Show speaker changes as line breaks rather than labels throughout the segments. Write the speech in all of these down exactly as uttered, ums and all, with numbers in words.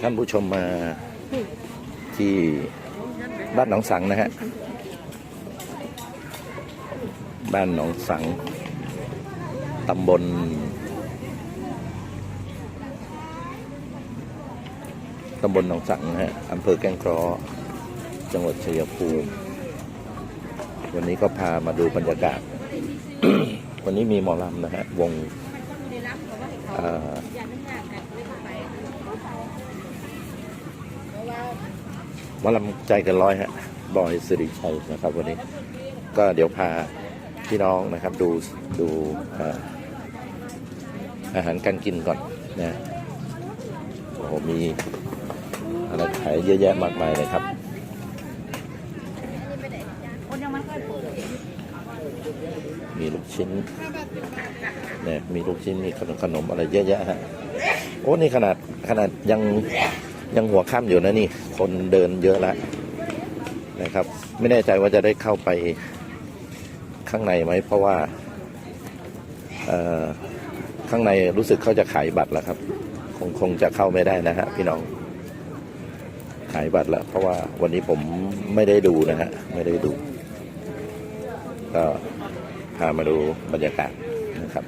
ท่านผู้ชมมาที่บ้านหนองสังนะฮะบ้านหนองสังตำบลตำบลหนองสังนะฮะอำเภอแก้งเคราะห์จังหวัดชัยภูมิวันนี้ก็พามาดูบรรยากาศ วันนี้มีหมอลำนะฮะวงหมอลำใจกันร้อยฮะบอยสิริชัยนะครับวันนี้ก็เดี๋ยวพาพี่น้องนะครับดูดูอาหารการกินก่อนนะโอ้โหมีอะไรขายเยอะแยะมากมายเลยครับมีลูกชิ้นเนี่ยมีลูกชิ้นมีขนมขนมอะไรเยอะแยะฮะโอ้นี่ขนาดขนาดยังยังหัวค่ำอยู่นะนี่คนเดินเยอะแล้วนะครับไม่แน่ใจว่าจะได้เข้าไปข้างในไหมเพราะว่าข้างในรู้สึกเขาจะขายบัตรแล้วครับคงคงจะเข้าไม่ได้นะฮะพี่น้องขายบัตรแล้วเพราะว่าวันนี้ผมไม่ได้ดูนะฮะไม่ได้ดูก็พามาดูบรรยากาศนะครับ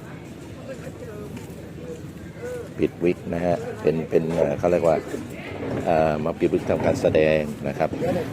ปิดวิกนะฮะเป็นเป็นเขาเรียกว่ามาปิดวิกทำการแสดงนะครับ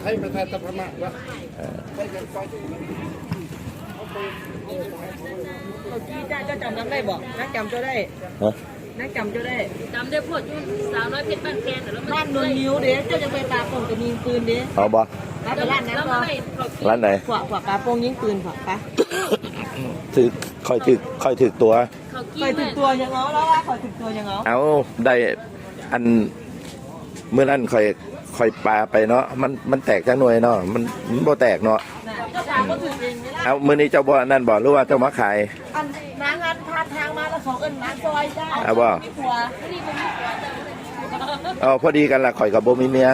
จ้าเจ้าจำได้บอกนักจำเจ้าได้นักจำเจ้าได้จำได้พวดยุ่นสาวน้อยเพชรบ้านแกนแต่แล้วบ้านนวลนิ้วเด้เจ้าจะไปปลาโป่งกับยิงปืนเด้
เอาบ่
ร้านร้านนั้นก็
ร้านไหน
ขวบขวบปลาโป่งยิงปืนขวบปะ
ถือคอยถือคอยถือตัว
คอยถือตัวยังเอาแล้วว่าคอยถือตัวยังเอา
เอาได้อันเมื่อนั้นคอยคอยปลาไปเนาะมันมันแตกจากหน่วยเนาะมันมันบ่แตกเนาะเอามื่อนี้เจ้าบ่นั่นบ่หรือว่าเจ้ามาขาย
อันน้างานพาทางมาแล้วเขาเอิ้นน้าซอยจ้า
เอาบ่เอาพอดีกันละข่อยกับโบมีเมีย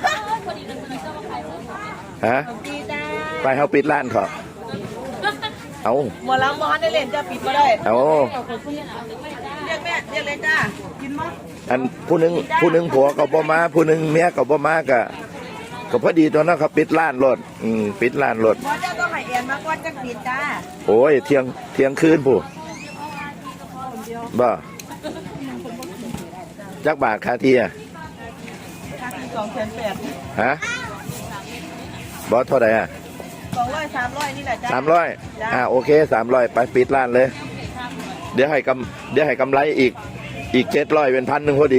ฮะไปเฮาปิดร้านเขาเอา
หมดแล้วหมอได้เล่นจะปิดมาได้
เอา
เรียกแม่เรียกเลยจ้ากินมั้ย
อันผู้นึงผู้นึงผัวกับบ่มาผู้นึงเมียกับบ่มากะก็พอดีตัวนั้นเขาปิดร้านรถอืมปิดร้านรถ
หมอเจ้าต้องให้เอ็นมาก่อนจะปิดจ้า
โอ้ยเที่ยงเที่ยงคืนผู้บ่จักบาทค่าที่อ่ะ
ค่าที่สองแสนแปด
ฮะบอสเท่าไหร่อ่ะ
สองร้อยสามร้อยนี่แหละจ้า
สามร้อยอ่าโอเคสามร้อยไปปิดร้านเลยเดี๋ยวให้กำเดี๋ยวให้กำไรอีกอีกเจ็ดร้อยเป็นพันหนึ่งพอดี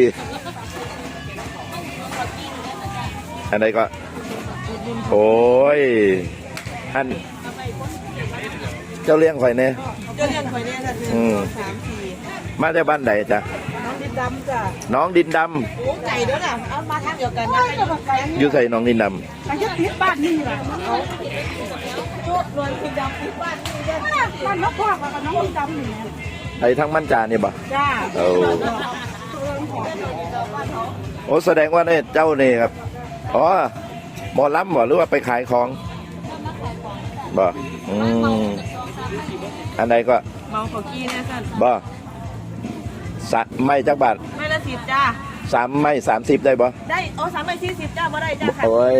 อันไหนก็โอ้ยอันเจ้าเลี้ยงข่อยเนี่ย
เจ้าเลี้ยงข่อยเนี่ยค่ะคือสามสี่
มาจากบ้านไหนจ๊ะ
น้องดินดำจ้ะ
น้องดินดำ
โอ้ไก่ด้วยน่ะเอามาทางเดียวกันนะ
อยู่ใส่น้องดินดำ
มันจะปิดบ้านนี่แหละเอาโจทย์รวยดินดำปิดบ้านนี่ได้บ้านนกพวกกับน้องดินดำนี่
ไอ้ทั้งมั่นจานี่บ่
จ้า
โอ้โอ้แสดงว่าเนี่ยเจ้านี่ครับอ๋อหมอลำบ่หรือว่าไปขายของบ่อืมอันใดก็
เมาขอกี้นะท่าน
บ่สะไม่จักบาท
ไม่ละสิบจ้า
สามไม่สามสิบได้บ่
ได้โอ้สามไม่สี่สิบจ้าบ่ได้จ้าค่ะ
โอ้ย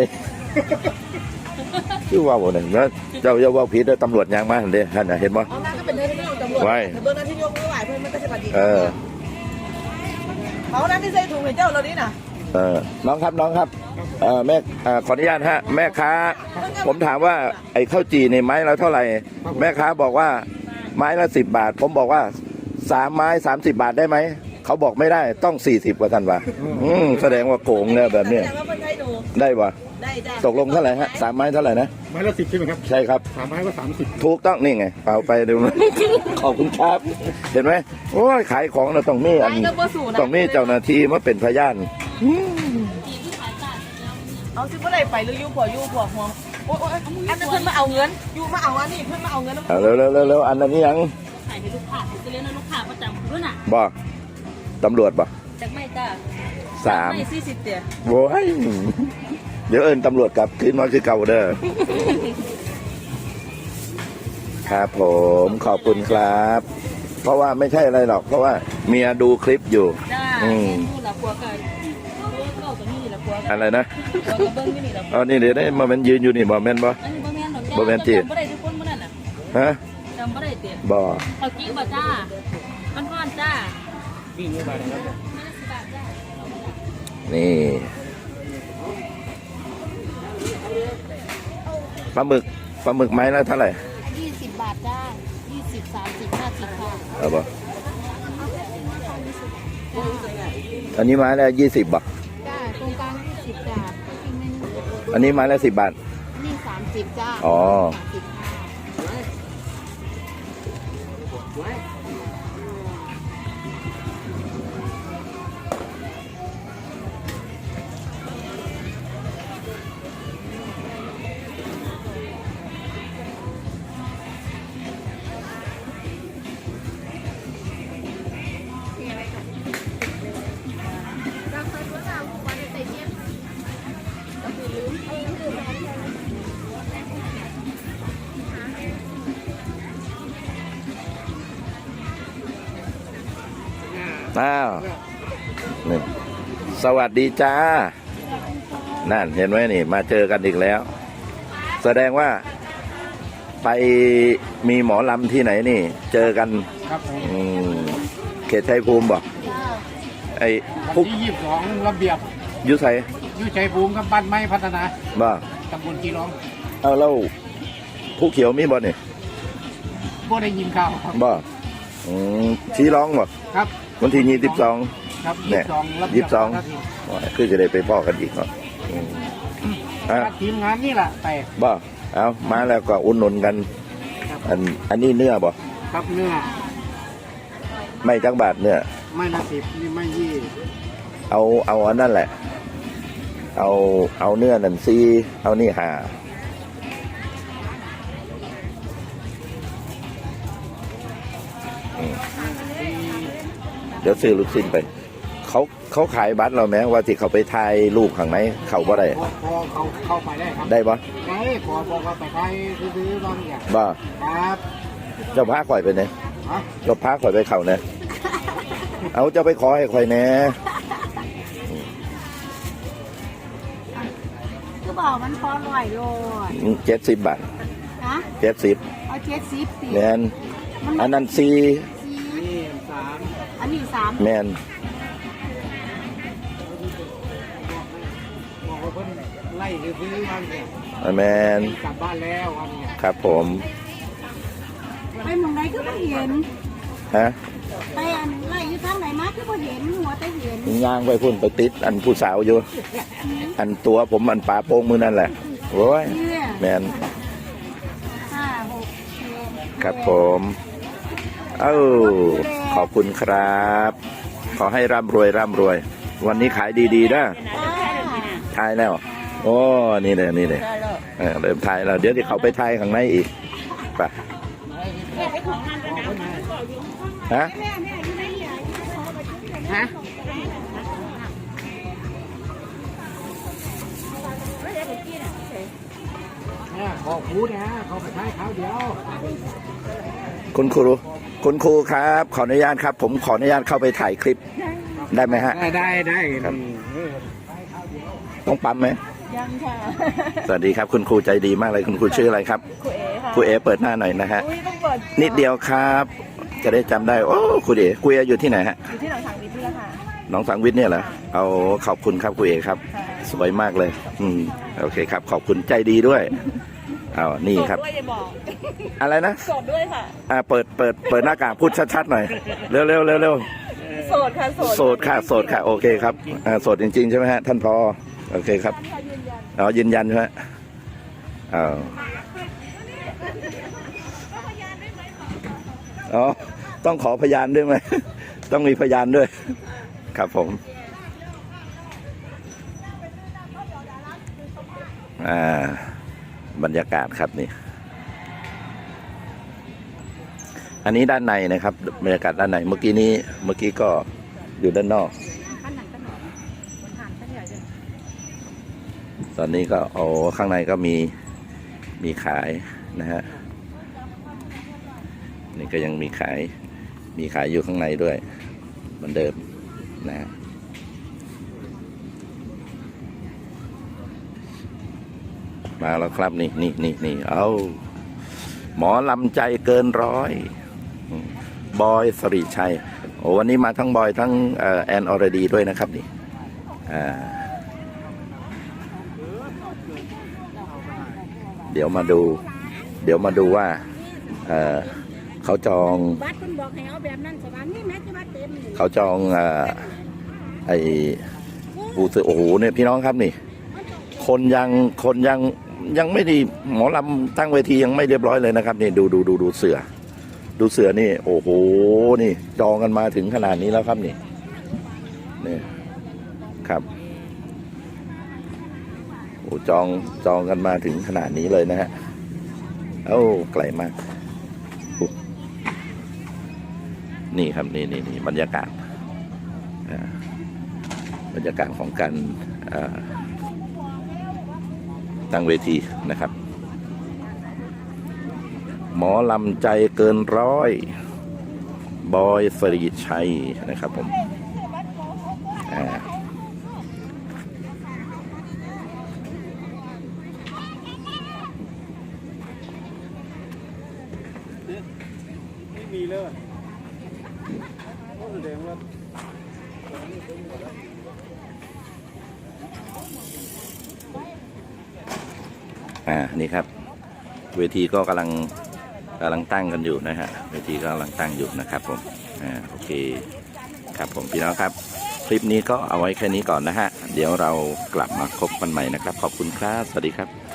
ชื่อว่าบ่หนึ่งนะเจ้าเจ้าว่าผิดเลยตำรวจยางมาเห็นเด้ท่านเห็นบ่
อ๋อนั่นก็เป็นเรื่องที่ตำรวจไว้เบอร์นั้นที่ยกมือไหวเพื่อนมันก็จะปฏิบัติเออเขานั้นที่ใส่ถุงให้เจ้าเรานี่นะ
เออน้องครับน้องครับเออแม่ขออนุญาตฮะแม่ค้าผมถามว่าไอ้ข้าวจี่ในไม้ละเท่าไหร่แม่ค้าบอกว่าไม้ละสิบบาทผมบอกว่าสามไม้สามสิบบาทได้ไหมเขาบอกไม่ได้ต้องสี่สิบกว่าท่านว่าอืมแสดงว่าโกงเนี่ยแบบเนี้ยได้ปะตกลงเท่าไหร่ฮะสามไม้เท่าไหร่นะ
ไม้ละสิบใช่ไหมครับ
ใช่ครับ
สามไม้ก็สามสิบ
ถูกต้องนี่ไงเอาไปดูขอบคุณครับเห็นไหมโอ้ยขายของเราต้องมีอันต้องมีเจ้าหน้าที่มาเป็นพยาน
เอาซิบ่ได้ไปหรือยูผัวยูผัวหัวโอ้ยอันนั้นเพื่อนมาเอาเงินยูมาเอาอันนี้เพื่อนมาเอาเงิน
เร็วเร็วเร็วเร็วอันนั้นยัง
ขายให้ลูกค้าจะเลี้ยงลูกค้าประจำด้วยน่ะ
บ่ตำรวจบ่
จากไม่จ้า
สาม
ไม่สี่สิบเดียว
โว้ยเดี๋ยวเอิญตำรวจกลับคืนมาคือเก่าเด้อครับผมขอบคุณครับเพราะว่าไม่ใช่อะไรหรอกเพราะว่าเมียดูคลิปอยู่
อืมดูหลับหัวกัน
อะไรนะ
ตัวกระเบื้องนี่นี่เรา
อ๋อนี่เดี๋ยวได้มาเป็นยืนอยู่นี่บ่แม่นบ่
อันนี้บ่แม่นดอก
บ่แม่นติ
จำบ่ได้ทุกคนมื้อนั้นน่ะ
ฮะ
จำบ่ได้ติ
บ่
เอากี้บ่จ้ามันฮ้อนจ้า
นี่ปลาหมึกปลาหมึกไม้ละเท่าไหร่
ยี่สิบบาทจ้ายี่สิบสามสิบห้าสิบค่ะ
เอาบ่อันนี้ไม้ละยี่สิบบ่
จ้าตรงกลางยี่สิบจ้าอีกนึง
อันนี้ไม้ละสิบบาท
นี่สามสิบจ้า
อ๋อ
สามสิบค่ะ
อ้าวนี่สวัสดีจ้า นั่นเห็นไหมนี่ มาเจอกันอีกแล้ว แสดงว่าไปมีหมอลำที่ไหนนี่ เจอกัน
ครับผม
อืมเขตชัยภูมิบอก
จ้า
ไอ้
วัน
พุก
ที่ยี่สิบสองระเบียบ
ยุไส
อยุชัยภูมิกับบ้านไม้พัฒนา
บ่า
ตำบลกีร้อง
เอาแล้วผู้เขียวมีบ่เนี่ย
บ่ได้ยินข่าวครับ
บ่อืมชี้ร้องบ่
ครับ
วันที่ยี่สิบสอง
ครับ
เนี่
ยี่
ย
สิบสองระเบี
ยี่
ย
สิ
บบ
สอง
นาที
คือจะได้ไปพ่อกันอีกเนาะอืมอ่ะ
ทีมงานนี่แหละแต่
บ่เอามาแล้วก็อุ่นหนุนกัน อันอันนี้เนื้อบ่
ครับเนื้อ
ไม่จักบาทเนื้อ
ไม่ละสิบนี่ไม่ยี่
เอาเอาอันนั่นแหละ เอาเอาเนื้อนั่นซีเอานี่หาอืมเดี๋ยวซื้อลูกชิ้นไป เขาเขาขายบัตรเราไหมว่าที่เขาไปถ่ายรูปข้างในเขาบ่ได้
พอพอเขาเข้าไปได้ครับ
ได้บ่
ได้พอพอเขาไปไปซื้อๆบางอย่าง
บ่
ครับ
เจ้าพาข่อยไปเนี่ย
ฮะ
เจ้าพาข่อยไปเขาเนี่ยเอาเจ้าไปขอให้ข่อยแหน่
คือบอกมันพอร่อยโลด
เจ็ดสิบบาท
นะ
เจ็ดสิบ
เอาเจ็ดสิบสิ
แมนอันนั้นซี
สี่
นี่สาม
อันนี้สาม
แมน
บอกว่าเพิ่นไล่ซื้อๆบางอย่าง
แมน
กลับบ้านแล้ววันเนี้ย
ครับผม
ไปหมองไหนก็ไม่เห็น
ฮะ
ไปอันไล่อยู่ทางไหนมาก็ไม่เห็นหัวแต่เห็น
ย่างไปพุ่นไปติด อันผู้สาวอยู่ อันตัวผมอันปลาโป้งมือนั่นแหละโอ้ย
เนี่ย
แมน
ห้าหกเจ็ด
ครับผม เอ้าขอบคุณครับ ขอให้ร่ำรวยร่ำรวย วันนี้ขายดีๆนะ
อ่า
ทายแล้ว โอ้นี่เลยนี่เลยเออเริ่มทายแล้ว เดี๋ยวที่เขาไปทายข้างในอีกไปฮะ
ฮะเนี่ยขอพูดนะเขาไปใช้เขาเดียว
คุณครูคุณครูครับ ขออนุญาตครับ ผมขออนุญาตเข้าไปถ่ายคลิป ได้ไหมฮะ
ได้ได้ได้
ครับ ต้องปั๊มไหม
ยังค่ะ
สวัสดีครับ คุณครูใจดีมากเลยคุณครูชื่ออะไรครับ
ครูเอ๋ค่ะ
ครูเอเปิดหน้าหน่อยนะฮะ
อุ้ยต้องเปิด
นิดเดียวครับ จะได้จำได้ โอ้ครูเอครูเออยู่ที่ไหนฮะ
อยู่ที่หนองสังวิทย์นี่แหละค่ะ
น้องสังวิทย์เนี่ยเหรอเอาขอบคุณครับครูเอครับ
ค่ะ
สวยมากเลย อืมโอเคครับ ขอบคุณใจดีด้วยเอานี่ครับ
ด้วยอย่าบอก
อะไรนะ
โสดด้วยค่ะ
อ่าเปิดเปิดเปิดหน้ากากพูดชัดๆหน่อยเร็วเร็วเร็วเร็ว
โสดค่ะโสด
โสดค่ะโสดค่ะโอเคครับอ่าโสดจริงๆใช่ไหมฮะท่านพอโอเคครับอ๋อยืนยันใช่ไหมอ๋ออ๋อต้องขอพยานด้วยไหม ต้องมีพยานด้วย ครับผมอ่าบรรยากาศครับนี่ อันนี้ด้านในนะครับบรรยากาศด้านในเมื่อกี้นี้เมื่อกี้ก็อยู่ด้านนอก
ขั้นหนักกันหน่อยบนฐานขั้นใหญ่เลย
ตอนนี้ก็โอ้ข้างในก็มีมีขายนะฮะนี่ก็ยังมีขายมีขายอยู่ข้างในด้วยเหมือนเดิมนะฮะมาแล้วครับนี่นี่นี่นี่เอาหมอลำใจเกินร้อยบอยสริชัยโอ้วันนี้มาทั้งบอยทั้งแอนอรดีด้วยนะครับนี่อ่าเดี๋ยวมาดู เดี๋ยวมาดูว่าเอ่อเขาจอง
บัตรคุณบอกให้เอาแบบนั้นสบายนี่แม่จะบัตรเต็ม
เขาจองเอ่อไอ้ปูเสือโอ้โหเนี่ยพี่น้องครับนี่ คนยังคนยังยังไม่ดีหมอลำตั้งเวทียังไม่เรียบร้อยเลยนะครับนี่ดูดูดูดูเสือ ดูเสือนี่โอ้โหนี่จองกันมาถึงขนาดนี้แล้วครับนี่นี่ครับโอ้จองจองกันมาถึงขนาดนี้เลยนะฮะโอ้ไกลมากนี่ครับนี่นี่นี่บรรยากาศบรรยากาศของการตั้งเวทีนะครับหมอลำใจเกินร้อยบอยสริชัยนะครับผมอ่า
ไม่มีเลยแสดงว่า
อ่านี่ครับเวทีก็กำลังกำลังตั้งกันอยู่นะฮะเวทีก็กำลังตั้งอยู่นะครับผมอ่าโอเคครับผมพี่น้องครับคลิปนี้ก็เอาไว้แค่นี้ก่อนนะฮะเดี๋ยวเรากลับมาพบกันใหม่นะครับขอบคุณครับสวัสดีครับ